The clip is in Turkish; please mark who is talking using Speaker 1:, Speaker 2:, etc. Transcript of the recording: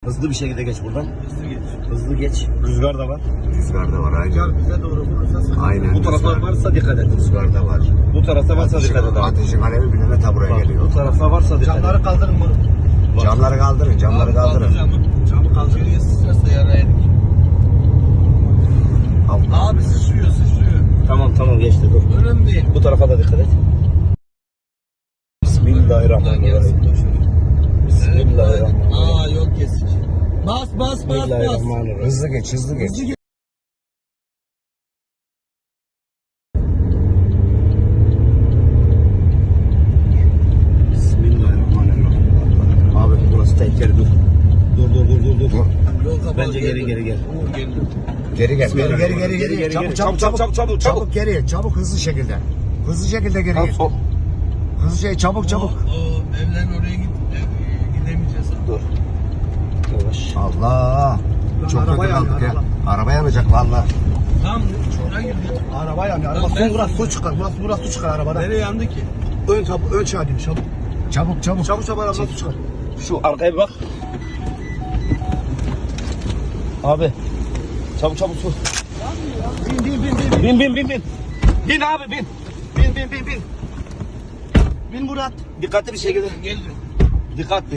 Speaker 1: Hızlı bir şekilde geç buradan.
Speaker 2: Hızlı geç.
Speaker 1: Hızlı geç. Rüzgar da var.
Speaker 3: Rüzgar da var aynen.
Speaker 2: Rüzgar bize doğru vurursa sıkıntı.
Speaker 3: Aynen.
Speaker 1: Bu taraflar varsa dikkat et.
Speaker 3: Rüzgar da var.
Speaker 1: Bu tarafta varsa dikkat et abi.
Speaker 3: Ateşin alevi bile ta buraya
Speaker 1: Bak,
Speaker 3: geliyor.
Speaker 1: bu tarafta varsa dikkat et.
Speaker 2: Camları kaldırın bunu.
Speaker 3: Camları kaldırın, camları kaldırın.
Speaker 2: Camı kaldırıyor, sıçrarsa yaraydık.
Speaker 3: Allah.
Speaker 2: Abi sıçrıyor.
Speaker 1: Tamam geçti dur.
Speaker 2: Önemli değil.
Speaker 1: Bu tarafa da dikkat et. Bismillahirrahmanirrahim. Bismillahirrahmanirrahim.
Speaker 2: Aa yok kesici. Bas.
Speaker 1: Bismillahirrahmanirrahim.
Speaker 3: Hızlı geç, hızlı geç.
Speaker 1: Bismillahirrahmanirrahim. Abi burası tehlikeli dur. Dur.
Speaker 2: Yok,
Speaker 1: Bence geri gel.
Speaker 2: Uğur gel.
Speaker 3: Geri gel,
Speaker 1: Bismillahirrahmanirrahim.
Speaker 3: geri.
Speaker 1: Geri.
Speaker 3: Çabuk geri, çabuk hızlı şekilde. Hızlı şekilde geri
Speaker 1: Tamam,
Speaker 3: gel.
Speaker 1: sol.
Speaker 3: Hızlı çabuk.
Speaker 2: O evlerin oraya gidemeyeceğiz abi.
Speaker 1: Dur. Yavaş.
Speaker 3: Allah. Çok
Speaker 2: araba
Speaker 3: kötü
Speaker 2: yanıyor,
Speaker 3: kaldık ya.
Speaker 2: araba.
Speaker 3: Araba yanacak valla.
Speaker 2: Tamam çukura girdik.
Speaker 4: Araba yanıyor. Araba
Speaker 2: Lan
Speaker 4: son
Speaker 2: ben-
Speaker 4: burası su çıkar. Burası su çıkar arabadan.
Speaker 2: Nereye yandı ki?
Speaker 4: Ön çağırayım çabuk.
Speaker 3: Çabuk.
Speaker 4: Araba su çıkar.
Speaker 1: Şu arkaya bir bak. Abi. Çabuk su.
Speaker 4: Bin.
Speaker 1: Bin abi bin.
Speaker 4: Bin Murat.
Speaker 1: Dikkatli bir şekilde.
Speaker 2: Gel.
Speaker 1: Dikkatli.